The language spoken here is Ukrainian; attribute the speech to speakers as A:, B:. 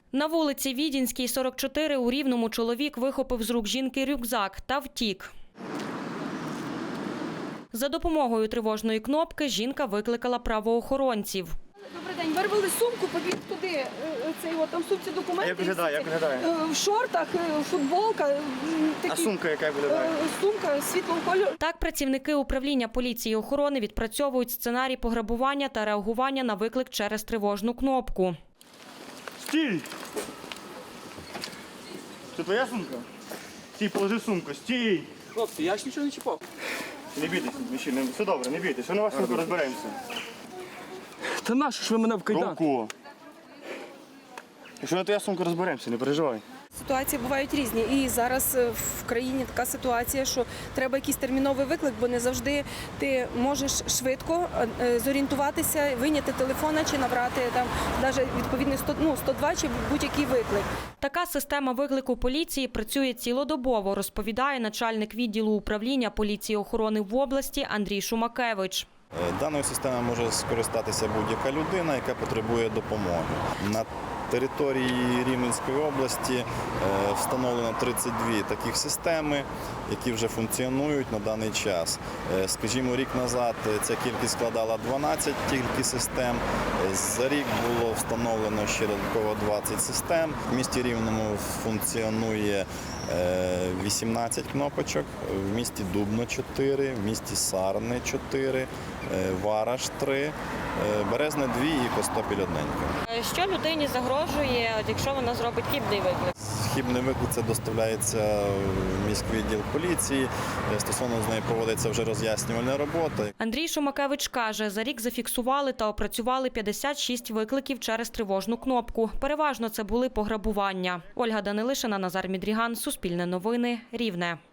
A: На вулиці Відінській, 44, у Рівному чоловік вихопив з рук жінки рюкзак та втік. За допомогою тривожної кнопки жінка викликала правоохоронців.
B: Добрий день. Вирвали сумку, побіг туди. Там в сумці документи.
C: Як виглядає?
B: В шортах, футболка.
C: А сумка яка виглядає?
B: Сумка світлого кольору.
A: Так працівники управління поліції і охорони відпрацьовують сценарій пограбування та реагування на виклик через тривожну кнопку.
C: Стій! Це твоя сумка? Стій, положи сумку, стій!
D: Хлопці, я ж нічого не чіпав.
C: Не бійтеся, мужчини, все добре, не бійтеся, на вас сумку розберемося.
D: Та нащо ж ви мене в кайдан?
C: Ромко! Якщо на твоя сумка розберемося, не переживай.
B: Ситуації бувають різні. І зараз в країні така ситуація, що треба якийсь терміновий виклик, бо не завжди ти можеш швидко зорієнтуватися, вийняти телефона чи набрати навіть відповідний 102 чи будь-який виклик.
A: Така система виклику поліції працює цілодобово, розповідає начальник відділу управління поліції і охорони в області Андрій Шумакевич.
E: Даною системою може скористатися будь-яка людина, яка потребує допомоги. На території Рівненської області встановлено 32 таких системи, які вже функціонують на даний час. Скажімо, рік назад ця кількість складала 12 тільки систем. За рік було встановлено ще додатково 20 систем. В місті Рівному функціонує 18 кнопочок, в місті Дубно 4, в місті Сарни 4, Вараш 3, Березне 2 і Костопіль 1.
A: Що людині загрожує, якщо вона зробить хибний виклик?
E: Хибний виклик це доставляється в міськвідділ поліції. Стосовно з нею проводиться вже роз'яснювальна робота.
A: Андрій Шумакевич каже, за рік зафіксували та опрацювали 56 викликів через тривожну кнопку. Переважно це були пограбування. Ольга Данилишина, Назар Мідріган, Суспільне новини, Рівне.